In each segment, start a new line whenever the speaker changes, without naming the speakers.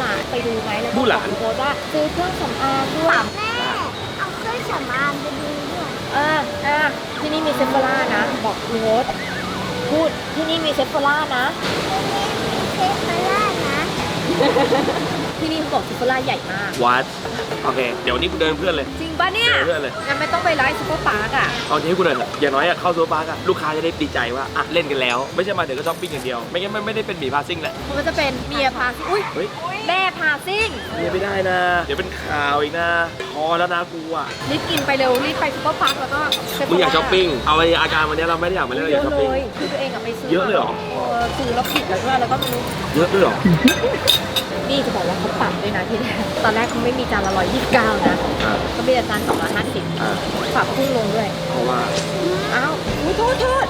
านไปดูไหมแล้วก็
มู่หลาน
โพสต์ว่าซื้อเครื่องสำอางด้วย
แม่เอาเครื่องสำอางไปดูด้วย
ที่นี่มีเซฟโฟล่านะบอกโพสต์พูดที่นี่มีเซฟโฟล่านะ
เทปมาล่านะ
ที่นี่เขาบอกเซฟโฟล่าใหญ่มาก
วัดโอเคเดี๋ยววันนี้กูเดินเพื่อนเลย
จริงปะเนี่ย
เดินเพื่อนเลย
งั้นไม่ต้องไปไลฟ์ซุปเปอร์พาร์คอ่ะ
เอาที่ให้กูเดินเถอะอย่างน้อยอะเข้าซูเปอร์พาร์คอะลูกค้าจะได้ดีใจว่าอะเล่นกันแล้ว ไม่ใช่มาเดี๋ยวก็ช้อปปิ้งอย่างเดียวไม่งั้นไม่ได้เป็นหมีพาซิ่งแหละ
มันจะเป็นเมียพาซิ่งอุ้ย
เฮ้ย
แม่พาซิ่ง
เรียนไม่ได้นะ เดี๋ยวเป็นข่าวอีกนะพอแล้วนะกูอะ
รีบกินไปเร็วรีบไปซุปเปอร์พาร์คแล้วก็เซฟโฟล่
มึงอยากช้อปปิ้งเอาไอ้อาการวันนี้เราไม่ได้อยากมาเล่นเรา
เย
อยาก
อะ
ช้อป
เล
ปิ้ง
ยคือตัวเองอะไปซื้อ
เยอะเลยเหรอ
ซื้อแล้วผิดแล้วด้วยแล้วก็ไม่รู้
เยอะด้วยเหรอ
นี่จะบอกว่าเขาปรับด้วยนะที่แรกตอนแรกเขาไม่มีจานละ129นะ
อ่า
เขามีแต่จาน250
อ่า
ปรับพุ่งลงด้วย
เพราะว่า
อ้าวอุ๊ยโทษโทษ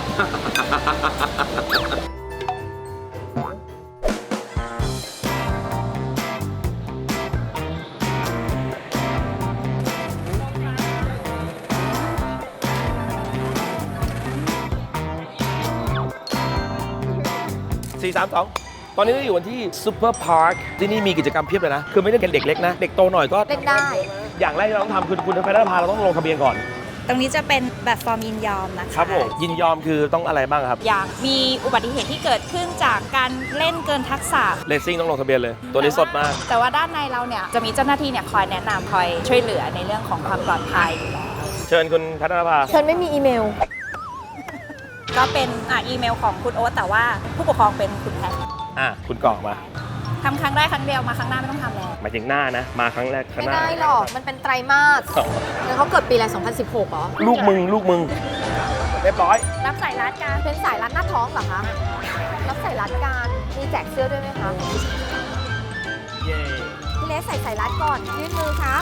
432 ตอนนี้เราอยู่ที่ซูเปอร์พาร์คที่นี่มีกิจกรรมเพียบเลยนะ คือไม่ได้เป็นเด็กเล็กนะ เด็กโตหน่อยก็
เล่นได้
อย่างแรกที่เราต้องทำคือคุณไปได้พาเราต้องลงทะเบียนก่อน
ตรงนี้จะเป็นแบบฟอร์มยินยอมนะคะ
ครับผมยินยอมคือต้องอะไรบ้างครับ
อย่างมีอุบัติเหตุที่เกิดขึ้นจากการเล่นเกินทักษะ
เลสซิ่งต้องลงทะเบียนเลย ตัวนี้สดมาก
แต่ว่าด้านในเราเนี่ยจะมีเจ้าหน้าที่เนี่ยคอยแนะนำคอยช่วยเหลือในเรื่องของความปลอดภัยอยู่แล้ว
เชิญคุณพัฒนภา
ฉันไม่มีอีเมล
ก็เป็นอีเมลของคุณโอ๊ตแต่ว่าผู้ปกครองเป็นคุณแพท
คุณกรอกมา
ทำครั้งแรกครั้งเดียวมาครั้งหน้าไม่ต้องทำแล้ว
หมายถึงหน้านะ มาครั้งแรกครั้ง
ไม่
หน้า
ได้หรอก มันเป็นไตรมาสแล้วเขาเกิดปีอะไร2016เหรอ
ลูกมึงเรียบร้อย
รับสายรัดการ
เป็นสายรัดหน้าท้องเหรอคะ รับสายรัดการ มีแจกเสื้อด้วยไหมคะ
เย้
พี่เลสใส่สายรัดก่อน ยื่นมือครับ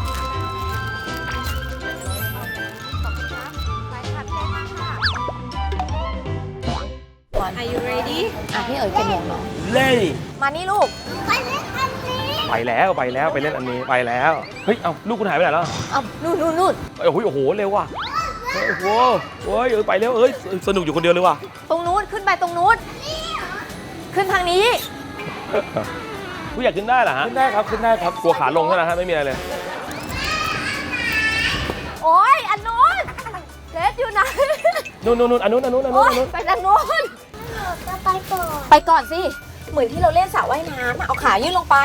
ขอบคุณครับไปค่ะพี่เลสมาค่ะ
Are you ready
พี่เอ๋ยเป็นหมวกเนาะ
เล่
มานี่ลูก
ไปเล่นอันนี้
ไปแล้วไปเล่นอันนี้ไปแล้ว เฮ้ย เอ้าลูกคุณหายไปไหนแล้ว
เอานู่น
โอ้โหเร็วว่ะโอ้โหโอ้ยไปเร็วสนุกอยู่คนเดียวเลยว่ะ
ตรงนู้น ขึ้นไปตรงนู้น ขึ้นทางนี้
ผู้อยากขึ้นได้เหรอฮะขึ้นได้ครับกลัวขาลงเท่านั้นฮะไม่มีอะไรเลย
โอ๊ย อันนู้นเลสอยู่ไหน
นู่นอันนู้น
โอ๊ยไปทางนู้น
จะไปก่อน
ไปก่อนสิ เหมือนที่เราเล่นสระว่ายน้ำอะเอาขายื่นลงไป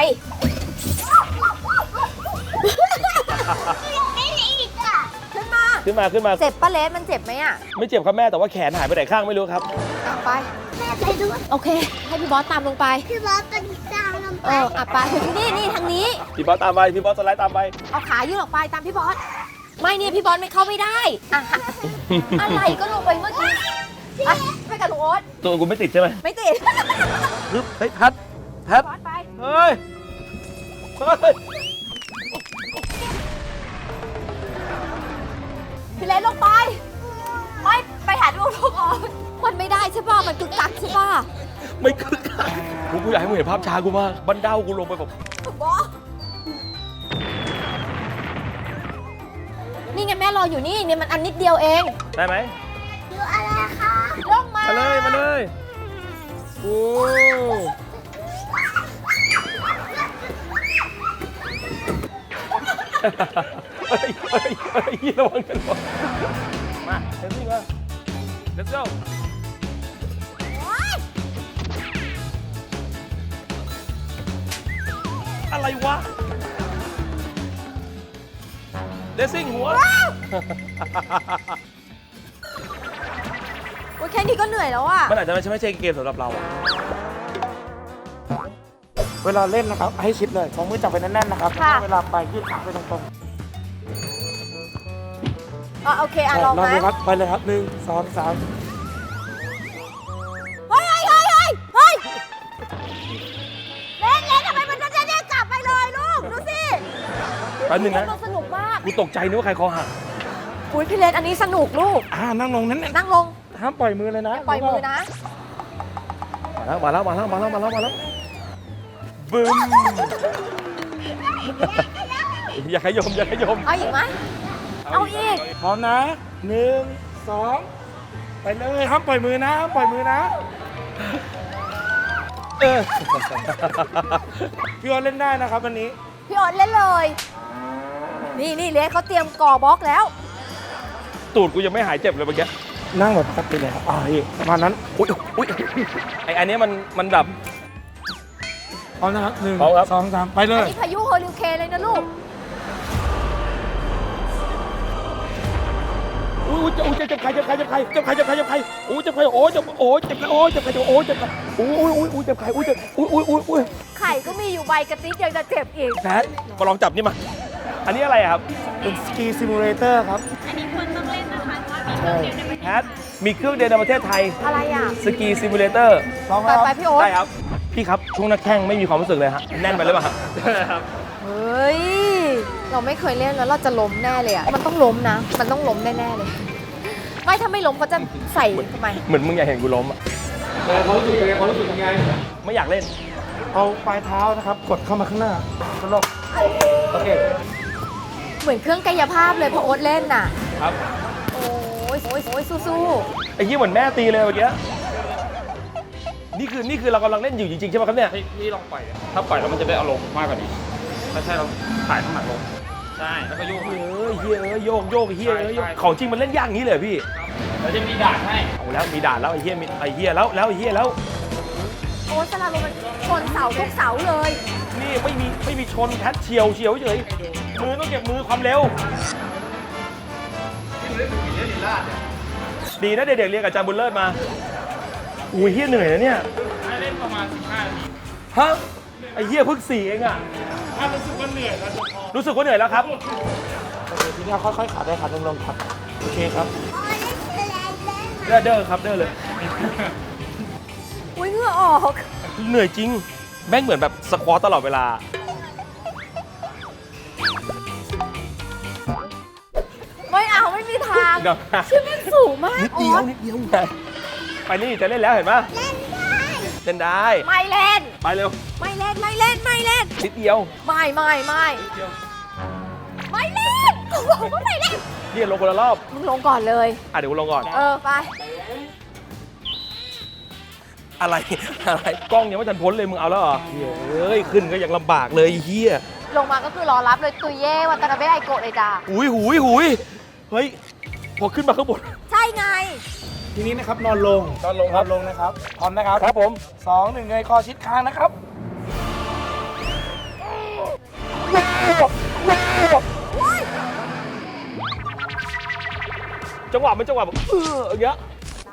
ไม่ได้อีกอ่ะ
ขึ้นมา
ขึ้นมา
เจ็บปะเลสมันเจ็บไหมอะ
ไม่เจ็บครับแม่แต่ว่าแขนหายไปไหนข้างไม่รู้ครับ
เอาไป
แม่ไปด้วย
โอเค ให้พี่บอสตามลงไป
พี่บอสเป็นจางลงไป
ไปนี่ทางนี้
พี่บอสตามไปพี่บอสสไลด์ตามไป
เอาขายื่นออกไปตามพี่บอส ไม่เนี่ยพี่บอสไม่เข้าไม่ได้อะอะไรก็ลงไปเมื่อกี้อ่ะไปกับลุงโอ๊ต
ตัวกูไม่ติดใช่ไหม
ไม่ติด
ฮึบเฮ้ยแพท
บอสไป
เฮ้ย
พี่เลสลงไปไปหาดูลูกออกมันไม่ได้ใช่ป่ะ มันกึกกักใช่ป่ะ
ไม่คึกคักกูอยากให้มึงเห็นภาพช้ากูมากบันเดากูลงไปแบบ
บอสนี่ไงแม่รออยู่นี่เนี่ยมันอันนิดเดียวเอง
ได้ไหม
ดูอะไรคะ
ลงมา
มาเลยโอ้เฮ้ยระวังกันก่อนมาเดี๋ยวสิมา let's go อะไรวะเดซิ่งหัว
โอ้ยแค่นี้ก็เหนื่อยแล้วอ่ะ
มันอาจจะไม่ใช่เกมสำหรับเราอะ
เวลาเล่นนะครับให้ชิดเลยสองมือจับไปแน่นๆนะครับ
ค่ะ
เวลาไปยืดขาไปตรง
โอเค
ๆ
ลอง
ลอง
นะ
ดูครับ ไปเลยครับ1 2 3
เฮ้ยเล่นทำไมมันจะได้กลับไปเลยลูก ดูสิ
แป๊บนึงนะ
สนุกมาก
กูตกใจนึกว่าใครคอหัก
อุ้ยพี่เลนอันนี้สนุกลูก
นั่งลงนั้น
นั่งลง
ห้ามปล่อยมือเลยนะ
ปล่อยมือนะ
มาแล้วบึ้มอย่าขยม
เอาอีกไหม เอาอีก
พร้อมนะ1 2 ไปเลยห้ามปล่อยมือนะพี่โอ๊ตเล่นได้นะครับวันนี้
พี่โอ๊ตเล่นเลย นี่เลสเขาเตรียมก่อบล็อกแล้ว
ตูดกูยังไม่หายเจ็บเลยเมื่อกี้
นั่งแบบปกติเลยครับพี่ประมาณนั้น
อุ้ยไออันนี้มันแบบ
พร้อมนะครับ
พร้อมครับ
1 2 3 ไปเล
อัน
ย
นี้พายุเฮอริเคนเลยนะลูก
อุ้ยเจ็บใครอุ้ยเจ็บใครโอ้ยเจ็บใครเจ็บใครโอ้ยเจ็บใครอุ้ยเจ็บใครอุ้ย
ไข่ก็มีอยู่ใบกระติ๊บยังจะเจ็บอีก
แพทมาลองจับนี่มาอันนี้อะไรครับ
เป็นสกีซิมูเลเตอร์ครับ
อันนี้ควรต้องเล่นนะคะเพราะว่ามีเครื่องเดียวในประเทศ
แพทมีเครื่องเดียวในประเทศไทย
อะไรอ่ะ
สกีซิมูเลเตอร์
ลอง
ไป
ครับ
ไปพี่โอ๊ต
ได้ครับพี่ครับช่วงหน้าแข้งไม่มีความรู้สึกเลยฮะแน่นไปหรือเปล่าครับ
เฮ้ย เราไม่เคยเล่นแล้วเราจะล้มแน่เลยอ่ะ มันต้องล้มนะ มันต้องล้มแน่ๆเลย ไม่ถ้าไม่ล้มเขาจะใส่ทำไม
เหมือนมึงอยากเห็นกูล้มอ่ะความรู้สึกยังไงไม่อยากเล่น
เอาปลายเท้านะครับ กดเข้ามาข้างหน้าตลกโอเค
เหมือนเครื่องกายภาพเลยพอโอ๊ตเล่นน่ะ
ครับ
โอ้ยสู้
ไอ้ยี่เหมือนแม่ตีเลยเมื่อกี้นี่คือเรากำลังเล่นอยู่จริงๆใช่ไหมครับเนี่ย
พี่ลองปล่อยดิถ้าปล่อยแล้วมันจะได้อารมณ์มากกว่านี้ถ้าใช่เราถ่ายน้ำหนักลง ใช่ แล้วก็โยก
เฮียโยกโยกของจริงมันเล่นยากอย่างนี้เลยพี่
แล้วจะมีด่านให้
เอาแล้วมีด่านแล้วไอ้เฮียแล้วไอ้เฮียแล้ว
ๆ โอ๊ตสลาโลมมันชนเสาทุกเสาเลย
นี่ไม่มีชนแพทเฉียวเฉยมือต้องเก็บมือความเร็วดีนะเด็กๆเรียนกับอาจารย์บุญเลิศมาอุ้ยเฮียเหนื่อยนะเนี่ย
ให้เล่นประมาณ 15 นาที
ฮะไอ้เฮียเพิ่ง4เองอ่ะ
ถ้ารู้สึกว่าเหนื่อยแล้วจะพอ
รู้สึกว่าเหนื่อยแล้วครับ
ทีนี้ค่อยๆขาได้ขาลงครับโอเคครับ
โอ้ยเล่นแรงเล่น
เด้อครับเด้อเลย
อุ้ยเหงื่อออก
เหนื่อยจริงแม่งเหมือนแบบสควอตตลอดเวลา
ไม่เอาไม่มีทาง
เดี๋ยวนะ
ชื่อแม่งสูงมาก
นิดเดียวไปนี่จะเล่นแล้วเห็นปะเล่นได้
ไม่เล่น
ไปเร็ว
ไม่เล่น ไม่เล่น ไม่เล่น
นิดเดียว
ไม่เล่นกูบอกว่าไม่เล่น
เฮียลงคนละรอบ
มึงลงก่อนเลย
เดี๋ยวกูลงก่อน
ไป
อะไรกล้องยังไม่ทันพ้นเลยมึงเอาแล้วเหรอเฮ้ยขึ้นก็ยังลำบากเลยเฮีย
ลงมาก็คือรอรับเลยตุยเย่วัตนาเบะไอโกะเลยจ้า
หุยเฮ้ยพอขึ้นมาข้างบน
ใช่ไง
ทีนี้นะครับนอนลง
ครับ
นอนลงนะครับพร้อมนะครับ
ครับผม
2 1เงยคอชิดคางนะครับ
จังหวะมันจังหวะแบบอย่างเงี้ย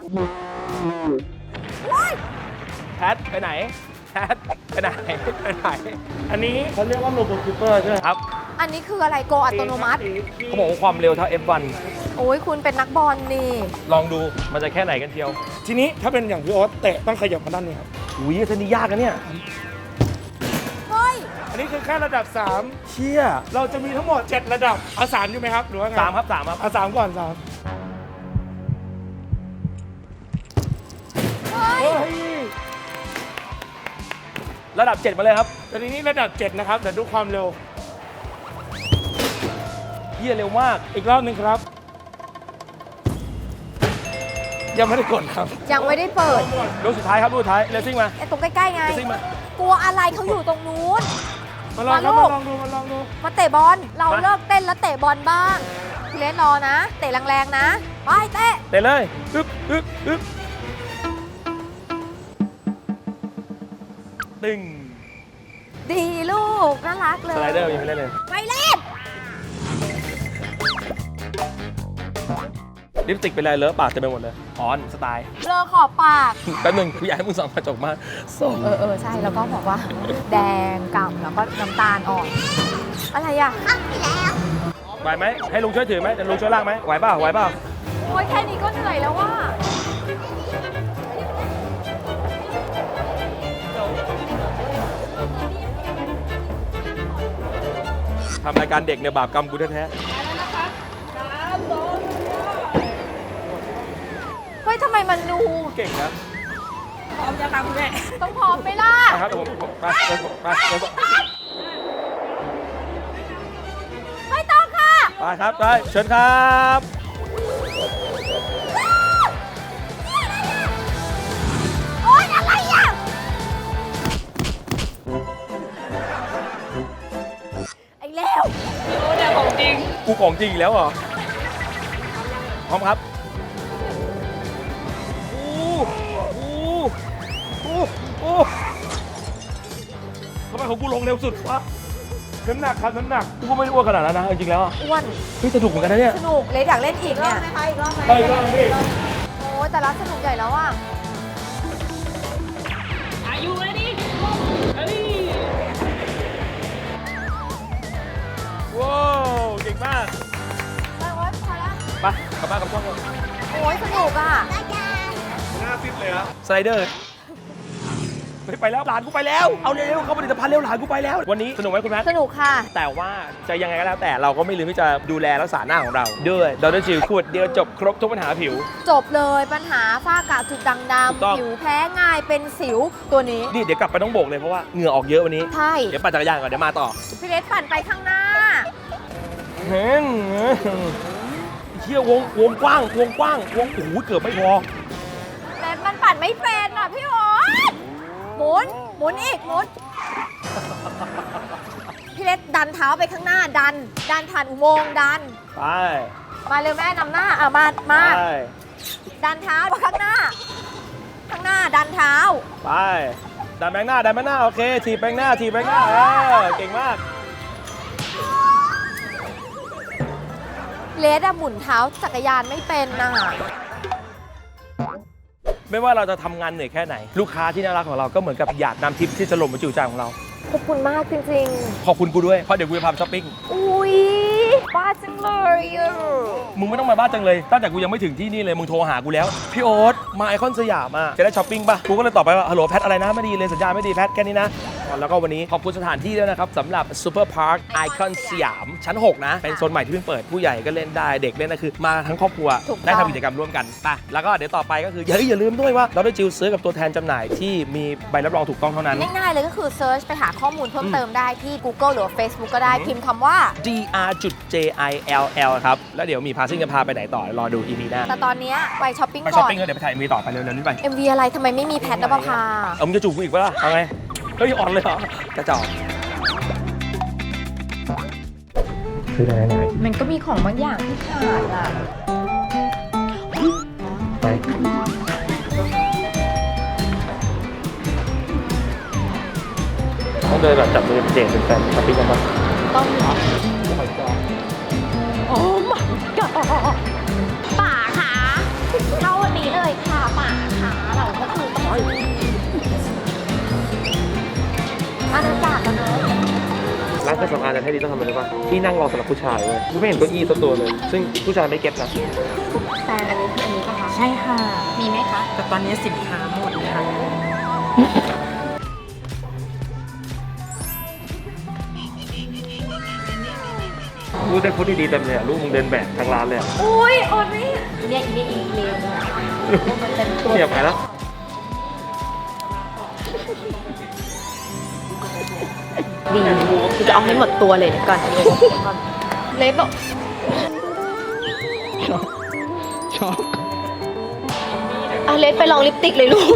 แพทไปไหนแพทไปไหน
อันนี้เขาเรียกว่าโรบอทคิปเปอร์ใช่ไหม
ครับ
อันนี้คืออะไรโกอัตโนมัติ
เขาบอกว่าความเร็วเท่า F1
โอ้ยคุณเป็นนักบอลนี่
ลองดูมันจะแค่ไหนกันเชียว
ทีนี้ถ้าเป็นอย่างพี่โอ๊ตเตะต้องขยับมาด้านนี้ครับ
อุ้ยเส้นนี้ยากนะเนี่ย
เฮ้ย
อันนี้คือแค่ระดับ
เชี่ย
3 เราจะมีทั้งหมด 7 ระดับเอา3อยู่ไหมครับหรือว่าไง
3ครับ
เอา3ก่อน3
เฮ้ย
เฮ้ย
ระดับ 7 มาเลยครับ
แต่ทีนี้ระดับ 7 นะครับเดี๋ยวดูความเร็ว
เฮียเร็วมาก
อีกรอบหนึ่งครับ ยังไม่ได้กดครับ
ยังไม่ได้เปิด
ลูกสุดท้ายครับลูกสุดท้ายเรซิ่งมา
ไอ้ตรงใกล้ๆไง
เรซิ่งมา
กลัวอะไรเขาอยู่ตรงนู้น
มาลองครับ
มาลูก
มาลองดูมาลองดู
มาเตะบอล เราเลิกเต้นแล้วเตะบอลบ้างพี่เลนรอนะ เตะแรงๆนะ ไปเตะ
เตะเลยอึ๊บตึง
ดีลูก น่ารักเลย
สไลเดอร์ยังไม่เล่นเลย
ไม่เล่น
ลิปสติกเป็นไรเลอะปากเต็มไปหมดเลยออนสไตล์
เลอขอบปาก
แป๊บนึงกูอยากให้มึงส่องกระจกมาส่อง
ใช่ แล้วก็บอกว่า แดงกำแล้วก็น้ำตาลอ่อน อะไรอ่ะ
เข้าไปแล้ว
ไหวไหมให้ลุงช่วยถือไหมเดี๋ยวลุงช่วยลากไหมไหวเปล่า
โอ้ยแค่นี้ก็เหนื่อยแล้วว่า
ทำรายการเด็กเนี่ยบาปกรรมกูแท้
เฮ้ยทำไมมันดู
ๆเก่งนะ
พร้อมยังคะคุณแม่
ต้องพร้อมไหมล่ะ
นะครับผมไป
ไม่ต้องค่ะ
ไปครับไปเชิญครับ
โอ๊ยอะไรอ่ะ
จริง
กูของจริงอีกแล้วเหรอพร้อมครับทำไมของกูลงเร็วสุดวะน้ำหนักครับน้ำหนักกูก็ไม่ได้อ้วนขนาดนั้นนะจริงๆแล้ว
อ้วน
เฮ้ยสนุกเหมือนกันนะเนี่ย
สนุกเลยอยากเล่นอีกเนี่ย
อีกรอบไหม
ไปก็พี่
โอ้ยแต่ละสนุกใหญ่แล้วอ่ะ
อายุเลยดิ
ว้าวเก่งมาก
ไปโอ๊ยพอแล้ว
ไปกลับบ้านกับช่องก่อน
โอ้ยสนุกอ่ะ
หน้าฟิตเลยครับสไลเดอร์ไปแล้วหลานกูไปแล้วเอาเร็วเข้าผลิตภัณฑ์เร็วหลานกูไปแล้ววันนี้สนุกไหมคุณแม่
สนุกค่ะ
แต่ว่าจะยังไงก็แล้วแต่เราก็ไม่ลืมที่จะดูแลรักษาหน้าของเราด้วยดรจิลขวดเดียวจบครบทุกปัญหาผิว
จบเลยปัญหาฝ้ากระจุดด่าง
ถูกต้อง
ดำผิวแพ้ง่ายเป็นสิวตัวนี้
นี่เดี๋ยวกลับไปต้องโบกเลยเพราะว่าเหงื่อออกเยอะวันนี้
ใช่
เดี๋ยวปั่นจักรยานก่อนเดี๋ยวมาต่อ
พี่เลสปั่นไปข้างหน้า
เฮ้ยเชี่ยวงกว้างวงโอ้โหเกือบไม่พอ
เลสมันปั่นไม่เป็นอ่ะพี่โอ๊ตหมุนอีกหมุนพี่เลสดันเท้าไปข้างหน้าดันผ่านอุโมงค์ดัน
ไป
มาเร็วแม่นำหน้ามา
ไป
ดันเท้าข้างหน้าดันเท้า
ไปดันแบงหน้าโอเคถีบแบงหน้าเก่งมาก
เลสอะหมุนเท้าจักรยานไม่เป็นน่ะ
ไม่ว่าเราจะทำงานเหนื่อยแค่ไหน ลูกค้าที่น่ารักของเราก็เหมือนกับหยาดน้ำทิพย์ที่จะหล่นมาจู่ใจของเรา
ขอบคุณมากจริง
ขอบคุณกูด้วยเพราะเดี๋ยวกูจะพาไปช้อปปิ้ง
ๆ อุ้ยบ้าจังเลยอะ
มึงไม่ต้องมาบ้านจังเลยตั้งแต่กูยังไม่ถึงที่นี่เลยมึงโทรหากูแล้วพี่โอ๊ตมาไอคอนสยามจะได้ช้อปปิ้งป่ะกูก็เลยตอบไปว่าฮัลโหลแพทอะไรนะไม่ดีเลยสัญญาณไม่ดีแพทแค่นี้นะแล้วก็วันนี้ขอบคุณสถานที่ด้วยนะครับสำหรับซูเปอร์พาร์คไอคอนสยามชั้น 6 นะเป็นโซนใหม่ที่เพิ่งเปิดผู้ใหญ่ก็เล่นได้เด็กเล่นนะคือมาทั้งครอบครัวได้ทำกิจกรรมร่วมกันไปแล้วก็เดี๋ยวต่อไปก็คืออย่าลืมด้วยว่าเราได้จิลซื้อกับตัวแทนจำหน่ายที่มีใบรับรองถูกต้องเท่านั้น
ง่ายๆเลยก็คือเซิร์ชไปหาข้อมูลเพิ่มเติมได้ที่ Google หรือว่า Facebook ก็ได้พิมพ์คำว่า
dr.jill ครับแล้วเดี๋ยวมีพาซิ่งจะพาไปไหนต่อรอดู EP หน้า
แต่ตอนเนี้ยไปช้อปปิ้ง
ไปช้
ก่
อป
อน
ปิ้งแล้วเดี๋ยวไปถ่ายมีต่อไปเร็วๆนี้ไป
MV อะไรทำไมไม่มีแพทนภพา
เอามึงจะจูบกูอีกปะล่ะเอาไงเฮ้ยอ่อนเลยเหรอกระจอกซื้อได้ไหน
มันก็มีของบางอย่างที่ขาดอ่ะ
ไปต้องเดินแบบจับมือเจนเป็นแฟนช้อปปิ้งกันปะ
ต้องเหรอ
โอ้ my god
โอ้ my god ป่าค่ะเข้าวันนี้เลยค่ะป่าค่ะเราก็คือต้องอาณาจักรกันเนอะ
ร้านเครื่องสำอางจะให้ดีต้องทำอะไรรู้ป่ะที่นั่งรอสำหรับผู้ชายเว้ยกูไม่เห็นเก้าอี้สักตัวเลย ซึ่งผู้ชายไม่เก็ตนะ
แต่อันนี้คืออันนี้ป่ะคะ
ใช่ค่ะ
มีไหมคะ
แต่ตอนนี้สินค้าหมดค่ะ
กูได้พูดดีๆเต็มเลยอะลูกมึงเดินแบบทางร้านเลยอะ
อุ้ยอดนี่เนี่ยอีเนี่ยอีเลวมันเป็นตัว
เสียบไปแล้ว
ดีจะเอาให้หมดตัวเลยเดี๋ยวก่อนเล็บบอกช็อกอ่ะเลสไปลองลิปสติกเลยลูก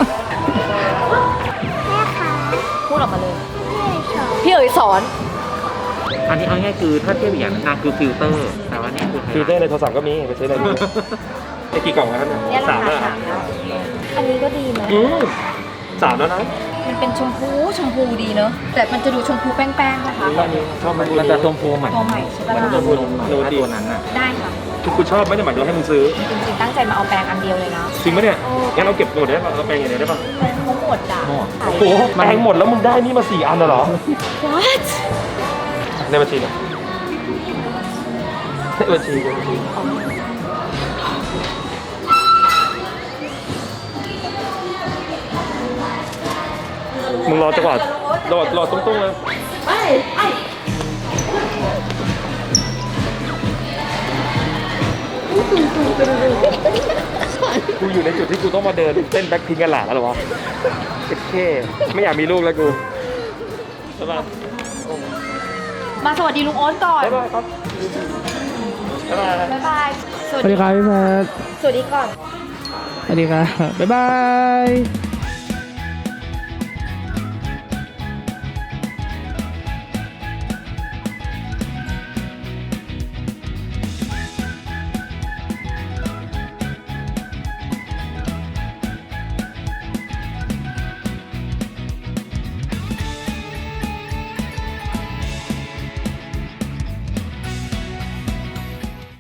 พูดออกมาเลย พี่เอ๋ยสอน
อันนี้เอาง่ายคือถ้าเทียบอย่างนั้นคือฟิลเตอร์ แต่ว่านี่คือ
ฟีเตอร์ในโทรศัพท์ก็มีไปซื้อได้ดูไอ้กี่กล่องแล้วเนี่ย
เนี่ยรา
สาม
คา
แล้ว
สามอันนี้ก็ดีไหม
3แล้วนะ
มันเป็นชมพูดีเนอะแต่มันจะดูชมพูแป้งๆนะคะ
อันนี้ชอบมัน
มันจะชมพูเหมือน
ตัวใหม่ใช่ปะ
ชมพูตัวนั้นอ่ะ
ได้ค่ะ
คือกูชอบไม่ได้หมายถึงให้มึงซื้อ
จริงๆตั้งใจมาเอาแปรงอันเดียวเลยนะ
จริงปะเนี่ยงั้นเราเก็บหมดได้ป่ะเราแปลงอย่างเดียวได้ป่ะ
เขาหมดอ่ะ
โอ้โหแปลงหมดแล้วมึงได้นี่มา4 อันเหรอ
What
ในบัญชีเนี่ยในบัญชีมึงรอจังหวะรอตุ้งๆเลยกูอยู่ในจุดที่กูต้องมาเดินเต้นแบ็คพิงกันหลาแล้วเหรอวะโอเคไม่อยากมีลูกแล้วกูใช่ป่ะ
มาสวัสดีลุงโอ๊ตก่อน
บ๊ายบายครับบ๊ายบาย
บ๊ายบาย
สวัสดีครับพี่แพท
สวัสดีก่อน
สวัสดีครับ บ๊ายบาย